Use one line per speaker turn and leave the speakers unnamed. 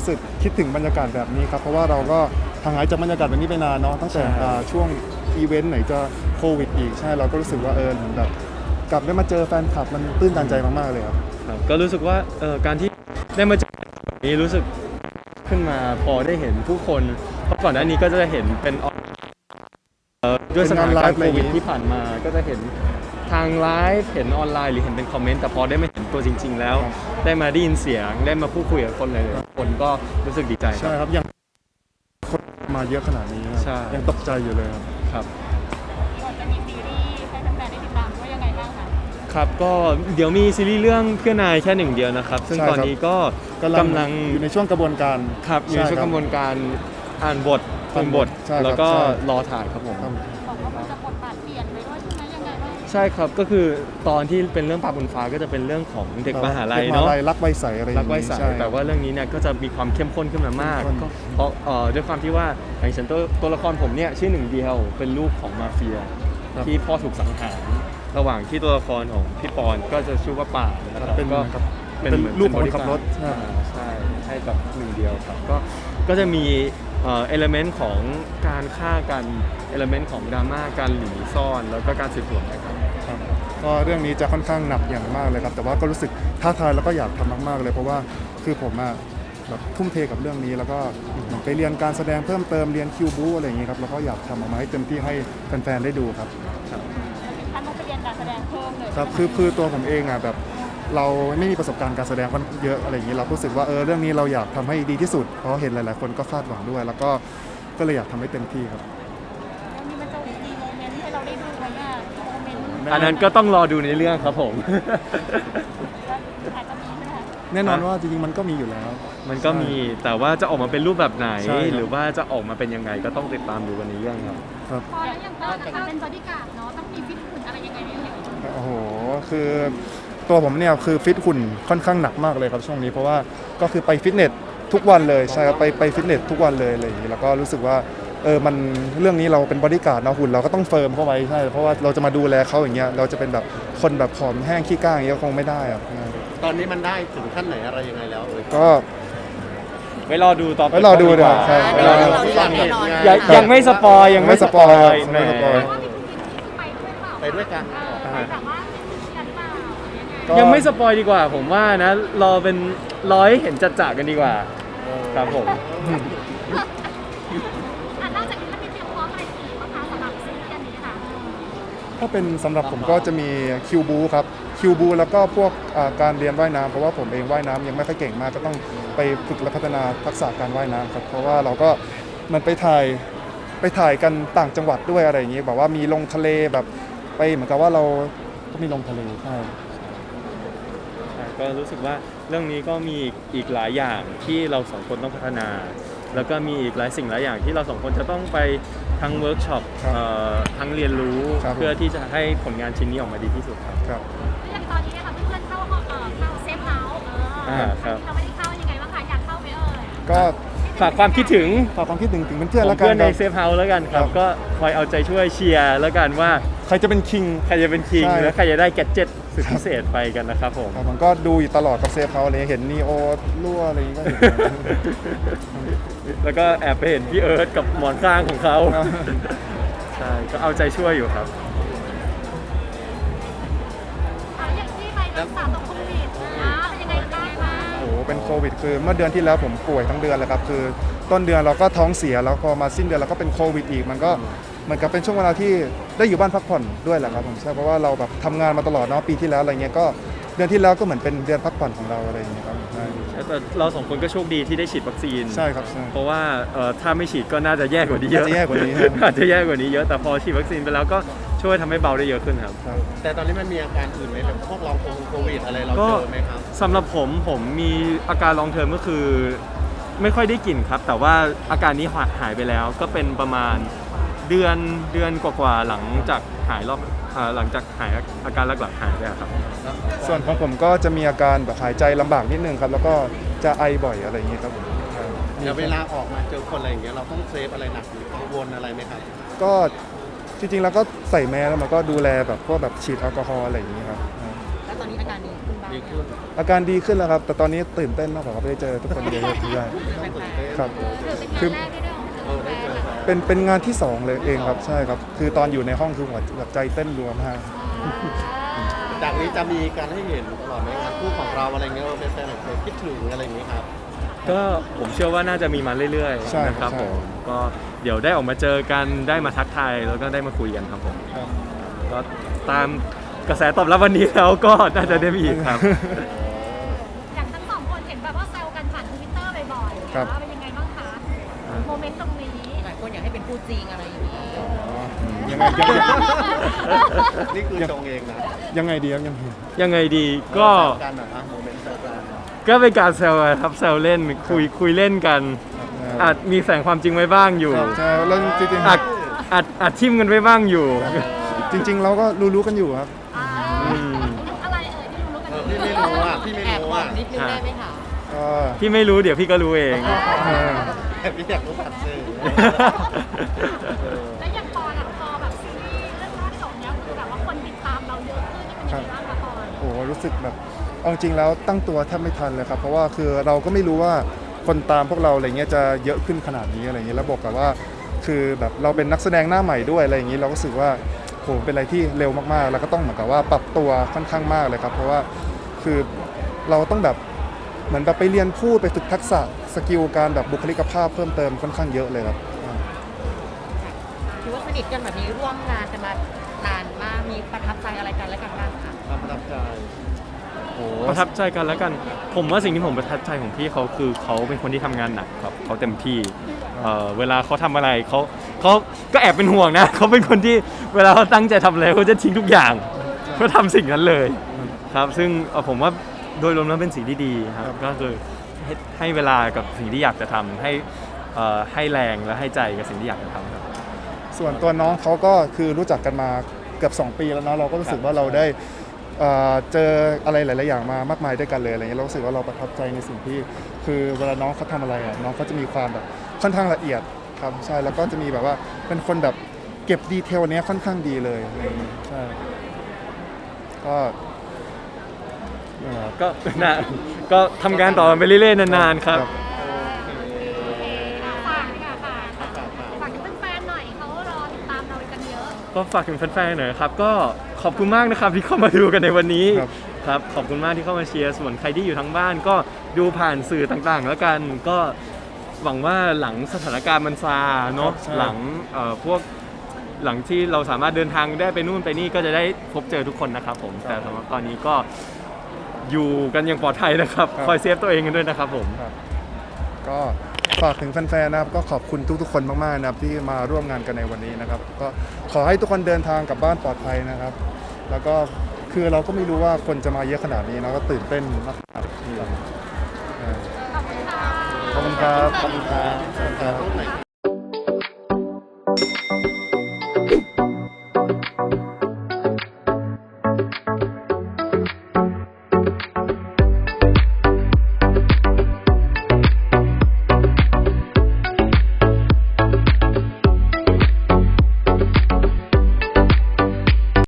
รู้สึกคิดถึงบรรยากาศแบบนี้ครับเพราะว่าเราก็ห่างหายจากบรรยากาศแบบนี้ไปนานเนาะตั้งแต่ช่วงอีเวนต์ไหนจะโควิดอีกใช่เราก็รู้สึกว่าเหมือนแบบกลับได้มาเจอแฟนคลับมันตื้นตันใจมากๆเลยครับ
ก็รู้สึกว่าการที่ได้มาเจอแบบนี้รู้สึกขึ้นมาพอได้เห็นผู้คนเพราะก่อนหน้านี้ก็จะเห็นเป็นด้วยสถานการณ์โควิดที่ผ่านมาก็จะเห็นทางไลฟ์เห็นออนไลน์หรือเห็นเป็นคอมเมนต์แต่พอได้มาเห็นตัวจริงๆแล้วได้มาได้ยินเสียงได้มาพูดคุยกับคนหลายๆคนก็รู้สึกดีใจ
ใช่ครับยังคนมาเยอะขนาดนี้ยังตกใจอยู่เลย
ครับ
ก่อนจะมีซีรีส์ให้แฟนๆได้ติดตามว่ายังไงบ้างคะ
ครับก็เดี๋ยวมีซีรีส์เรื่องเพื่อนายแค่หนึ่งเดียวนะครับซึ่งตอนนี้ก็กำลัง
อยู่ในช่วงกระบวนการ
ครับอยู่ในช่วงกระบวนการอ่านบทฟังบทแล้วก็รอถ่ายครับผม
บอกว่ามันจะบทบาทเปลี่ยนไปด้วยใช่ไหมยังไงบ้าง
ใช่ครับก็คือตอนที่เป็นเรื่องปลาบนฟ้าก็จะเป็นเรื่องของเด็กมหาลัยเนาะ
รักใบใสอะไร
รักใบใสแต่ว่าเรื่องนี้เนี่ยก็จะมีความเข้มข้นขึ้นมามากก็เพราะด้วยความที่ว่าอย่างเช่นตัวละครผมเนี่ยชื่อหนึ่งเดียวเป็นลูกของมาเฟียที่พ่อถูกสังหารระหว่างที่ตัวละครของพี่ปอนก็จะชื่อว่าป่านะครับ
เป็นลูกของคนขับรถ
ใช่ให้กับหนึ่งเดียวครับก็จะมีเอลเมนต์ของการฆ่ากันเอลเมนต์ของดราม่าการหนีซ่อนแล้วก็การสืบสวนนะครับ
ก็เรื่องนี้จะค่อนข้างหนักอย่างมากเลยครับแต่ว่าก็รู้สึกท้าทายแล้วก็อยากทำมากๆเลยเพราะว่าคือผมแบบทุ่มเทกับเรื่องนี้แล้วก็ไปเรียนการแสดงเพิ่มเติมเรียนคิวบูอะไรอย่างนี้ครับแล้วก็อยากทำออกมาให้เต็มที่ให้แฟนๆได้ดูครับ
ท่านต้องไปเรียนการแสดงเพิ่มเลย
ครับคือตัวผมเองแบบเราไม่มีประสบการณ์การแสดงค่อนเยอะอะไรอย่างนี้เรารู้สึกว่าเรื่องนี้เราอยากทำให้ดีที่สุดเพราะเห็นหลายๆคนก็คาดหวังด้วยแล้วก็เลยอยากทำให้เต็มที่ครับ
แล้วมีมันจะมีโมเมนต์ให้เราได้ดูไหมโมเมนต์
อันนั้นก็ต้องรอดูในเรื่องครับผม
อาจจะมีใช่ไหมคะ
แน่นอนว่าจริงๆมันก็มีอยู่แล้ว
มันก็มีแต่ว่าจะออกมาเป็นรูปแบบไหนหรือว่าจะออกมาเป็นยังไงก็ต้องติดตามดูกันในเรื่องครับ
พอแล้วอย่างเราจะเป็นบอดี้การ์ดเนาะต้องมีฟิตหุ่นอะไรยังไงเนี่ย
โอ้โหคือตัวผมเนี่ยคือฟิตหุ่นค่อนข้างหนักมากเลยครับช่วงนี้เพราะว่าก็คือไปฟิตเนสทุกวันเลยใช่ครับไปฟิตเนสทุกวันเลยอะไรอย่างนี้แล้วก็รู้สึกว่ามันเรื่องนี้เราเป็นบอดี้การ์ดนะหุ่นเราก็ต้องเฟิร์มเข้าไว้ใช่เพราะว่าเราจะมาดูแลเขาอย่างเงี้ยเราจะเป็นแบบคนแบบผอมแห้งขี้ก้างอย่างเงี้ยคงไม่ได้ครับ
ตอนนี้มันได้ถึงขั้นไหนอะไรยังไงแล้ว
ก็
ไปรอดูต่อ
ไปรอดูเดี๋ยวใช่
ยังไม่สปอยยังไม่สปอย
ไปด้วยกัน
ยังไม่สปอยดีกว่าผมว่านะรอให้เห็นจัดๆกันดีกว่าครับผม
นอกจากนี้มันมีเตรียมพร้อมอะไรอีกบ้างคะสำหรับซีรีส์อันนี้ค่ะ
ถ้าเป็นสำหรับผมก็จะมีคิวบูครับคิวบูแล้วก็พวกการเรียนว่ายน้ำเพราะว่าผมเองว่ายน้ำยังไม่ค่อยเก่งมากก็ต้องไปฝึกและพัฒนาทักษะการว่ายน้ำครับเพราะว่าเราก็มันไปถ่ายกันต่างจังหวัดด้วยอะไรอย่างนี้แบบว่ามีลงทะเลแบบไปเหมือนกับว่าเราก็มีลงทะเลใช่
ก็รู้สึกว่าเรื่องนี้ก็มีอีกหลายอย่างที่เราสองคนต้องพัฒนาแล้วก็มีอีกหลายสิ่งหลายอย่างที่เราสองคนจะต้องไปทั้งเวิร์กช็อปทั้งเรียนรู้เพื่อที่จะให้ผลงานชิ้นนี้ออกมาดีที่สุดครับ
อย่างตอนนี้นะคะเพื่อนๆเข้าเซฟเฮาส์
ครับ
เราไม่ได้เข้ายังไงบ้างคะอยากเข้าไหม
ก็
ฝากความคิดถึง
ถึงเพื่อนๆแล้วกัน
เพื่อนในเซฟเฮาส์แล้วกันครับก็คอยเอาใจช่วยเชียร์แล้วกันว่า
ใครจะเป็นคิง
และใครจะได้แกดเจ็ตสุดพิเศษไปกันนะครับผม
มันก็ดูอยู่ตลอดกับเซฟเฮาส์เลยเห็นนีโอรั่วอะไรอย่างเงี้ย
แล้วก็แอบไปเห็นพี่เอิร์ธกับหมอนข้างของเขาใช่ก็เอาใจช่วยอยู่ครับ
อย่างที่ไปรักษาตัวโควิดเป็นยังไงบ้างคะ
โอ้โหเป็นโควิดคือเมื่อเดือนที่แล้วผมป่วยทั้งเดือนเลยครับคือต้นเดือนเราก็ท้องเสียแล้วพอมาสิ้นเดือนเราก็เป็นโควิดอีกมันก็เหมือนกับเป็นช่วงเวลาที่ได้อยู่บ้านพักผ่อนด้วยแหละครับผมใช่เพราะว่าเราแบบทำงานมาตลอดเนาะปีที่แล้วอะไรเงี้ยก็เดือนที่แล้วก็เหมือนเป็นเดือนพักผ่อนของเราอะไรอย่างเงี้ยครับ
แต่เราสองคนก็โชคดีที่ได้ฉีดวัคซีน
ใช่ครับ
เพราะว่าถ้าไม่ฉีดก็น่าจะแย่กว่านี้เยอะอาจจะแย่กว่านี้เยอะแต่พอฉีดวัคซีนไปแล้วก็ช่วยทำให้เบาได้เยอะขึ้นครับ
แต่ตอนนี้มันมีอาการอื่นไหมแบบพวกลองโควิดอะไรเราเจอไหมครับ
สำหรับผมมีอาการลองเทอมก็คือไม่ค่อยได้กลิ่นครับแต่ว่าอาการนี้หายไปแล้วก็เป็นประมาณเดือนกว่าๆหลังจากหายอาการหลักๆหายไปครับ
ส่วนของผมก็จะมีอาการแบบหายใจลำบากนิดนึงครับแล้วก็จะไอบ่อยอะไรอย่างเงี้ยครับ
เวลาออกมาเจอคนอะไรอย่างเงี้ยเราต้องเซฟอะไรหนักหรือกังวลอะไรไหมครับ
ก็จริงๆแล้วก็ใส่แมสแล้วมันก็ดูแลแบบพวกแบบฉีดแอลกอฮอล์อะไรอย่างเงี้ยครับ
แล้วตอนนี้อาการดีขึ้นบ้าง
ดีขึ้น
อาการดีขึ้นแล้วครับ แต่ตอนนี้ตื่นเต้นมากกว่าครับได้เจอทุกคนเยอะๆด้วยครับ
ถือเป็นงานแรกที่ได้ออกมาเจอแฟนเหรอ
เป็นงานที่สองเลยเองครับใช่ครับ คือตอนอยู่ในห้องคือหัวแบบใจเต้นรัวมาก
จากนี้จะมีการให้เห็นตลอดไหมงานคู่ของเราอะไรเงี้ยเป็นแฟนๆเคยคิดถึงอะไรอย่างเงี้ยครับ
ก็ผมเชื่อว่าน่าจะมีมาเรื่อย
ใช่
ๆนะครับ
ใช่
ผมก็เดี๋ยวได้ออกมาเจอกันได้มาทักทายแล้วก็ได้มาคุยกันครับผม
ครับ
ก็ตามกระแสตอบรับวันนี้แล้วก็น่าจะได้มีอีกครับ
อย่างทั้งสองคนเห็นแบบว่าแซวกันผ่านทวิตเตอร์บ่อยๆ
ครับ
ว่าเป็นยังไงบ้างคะโมเมนต์ตรงนี้
หลายคนอยากให้เป็นคู่จริงอะไรอย่างนี้
ยังไง
นี่คือชงเองนะ
ยังไงดีครับยังไง
ยังไงดีก็
แซวกันนะโมเมนต์แซวกัน
ก็เป็นการแซวกันครับแซวเล่นคุยเล่นกัน อาจมีแฝงความจริงไว้บ้างอยู่
ใช่แล้วจริง
อาจทิมกันไว้บ้างอยู่
ๆจริง ๆ เราก็รู้ๆกันอยู่ครับ
อ่า
อืม
อะไรเอ่ยที่รู้กัน
พี่ไม่รู้อ่ะพี่ไม่
แอบ
รู้
บอ
อ่ะ
กนิดนึงได้ไหมคะ
ก็
พี่ไม่รู้เดี๋ยวพี่ก็รู้เอง
เออ
แต่พี่อยากรู้ผ่านสื่อ
แล้วอย่างพอแบบซีรีส์เรื่องล่าสุดเนี้ยคือแบบว่าคนติดตามเราเยอะขึ้นนี่เป็นยังไงบ้างคะพร
โอ้โหรู้สึกแบบเอาจริงแล้วตั้งตัวแทบไม่ทันเลยครับ เพราะว่าคือเราก็ไม่รู้ว่าคนตามพวกเราอะไรเงี้ยจะเยอะขึ้นขนาดนี้อะไรเงี้ยแล้วบอกกับว่า คือแบบเราเป็นนักแสดงหน้าใหม่ด้วยอะไรอย่างนี้เราก็รู้สึกว่าโหเป็นอะไรที่เร็วมากๆ แล้วก็ต้องเหมือนกับว่าปรับตัวค่อนข้างมากเลยครับ เพราะว่าคือเราต้องแบบเหมือนแบบไปเรียนพูดไปฝึกทักษะสกิลการแบบบุคลิกภาพเพิ่มเติมค่อนข้างเยอะเลยครับ
ถือว่าสนิทกันแบบนี้ร่วมงานกันมานานมาก มีประทับใจอะไรกันและกันบ้างคะ
ความประทับใจ
โอ้โห
ประทับใจกันแล้วกัน ผมว่าสิ่งที่ผมประทับใจของพี่เขาคือเขาเป็นคนที่ทำงานหนักครับเขาเต็มที่เวลาเขาทำอะไรเขาก็แอบเป็นห่วงนะ เขาเป็นคนที่เวลาเขาตั้งใจทำอะไรเขาจะทิ้งทุกอย่างเพื่อทำสิ่งนั้นเลยครับซึ่งผมว่าโดยรวมแล้วเป็นสิ่งที่ดีครับก็คือให้เวลากับสิ่งที่อยากจะทำให้แรงและให้ใจกับสิ่งที่อยากจะทำครับ
ส่วนตัวน้องเขาก็คือรู้จักกันมาเกือบ2 ปีแล้วเนาะเราก็รู้สึกว่าเราได้เจออะไรหลาย ๆ อย่างมามากมายด้วยกันเลยอะไรเงี้ยเรารู้สึกว่าเราประทับใจในสิ่งที่คือเวลาน้องเขาทำอะไรอ่ะน้องเขาจะมีความแบบค่อนข้างละเอียดครับใช่แล้วก็จะมีแบบว่าเป็นคนแบบเก็บดีเทลเนี้ยค่อนข้างดีเลยอะไรอย่างเงี้ยใช่ก็นั่นแหละครับ
ก็นะก็ทำงานต่อไปเรื่อยๆนานๆครับ
โอเคฝากดีกว่าค่ะฝากถึงแฟนๆหน่อยเขารอติดตามเรากันเยอะ
ก็ฝากถึงแฟนๆหน่อยครับก็ขอบคุณมากนะครับที่เข้ามาดูกันในวันนี้
ครับ
ครับขอบคุณมากที่เข้ามาเชียร์ส่วนใครที่อยู่ทางบ้านก็ดูผ่านสื่อต่างๆ แล้วกันก็หวังว่าหลังสถานการณ์มันซาเนาะ
ใช่
หลังหลังที่เราสามารถเดินทางได้ไปนู่นไปนี่ก็จะได้พบเจอทุกคนนะครับผมแต่สำหรับตอนนี้ก็อยู่กันอย่างปลอดภัยนะครับคอยเซฟตัวเองกันด้วยนะครับผม
ครับก็ฝากถึงแฟนๆนะครับก็ขอบคุณทุกๆคนมากๆนะครับที่มาร่วมงานกันในวันนี้นะครับก็ขอให้ทุกคนเดินทางกลับบ้านปลอดภัยนะครับ แล้วก็คือเราก็ไม่รู้ว่าคนจะมาเยอะขนาดนี้เราก็ตื่นเต้นมากๆครับ
ขอบคุณค่ะ
ขอบคุณครับ
ขอบคุณครับ
ถ่ายรูปหน่อย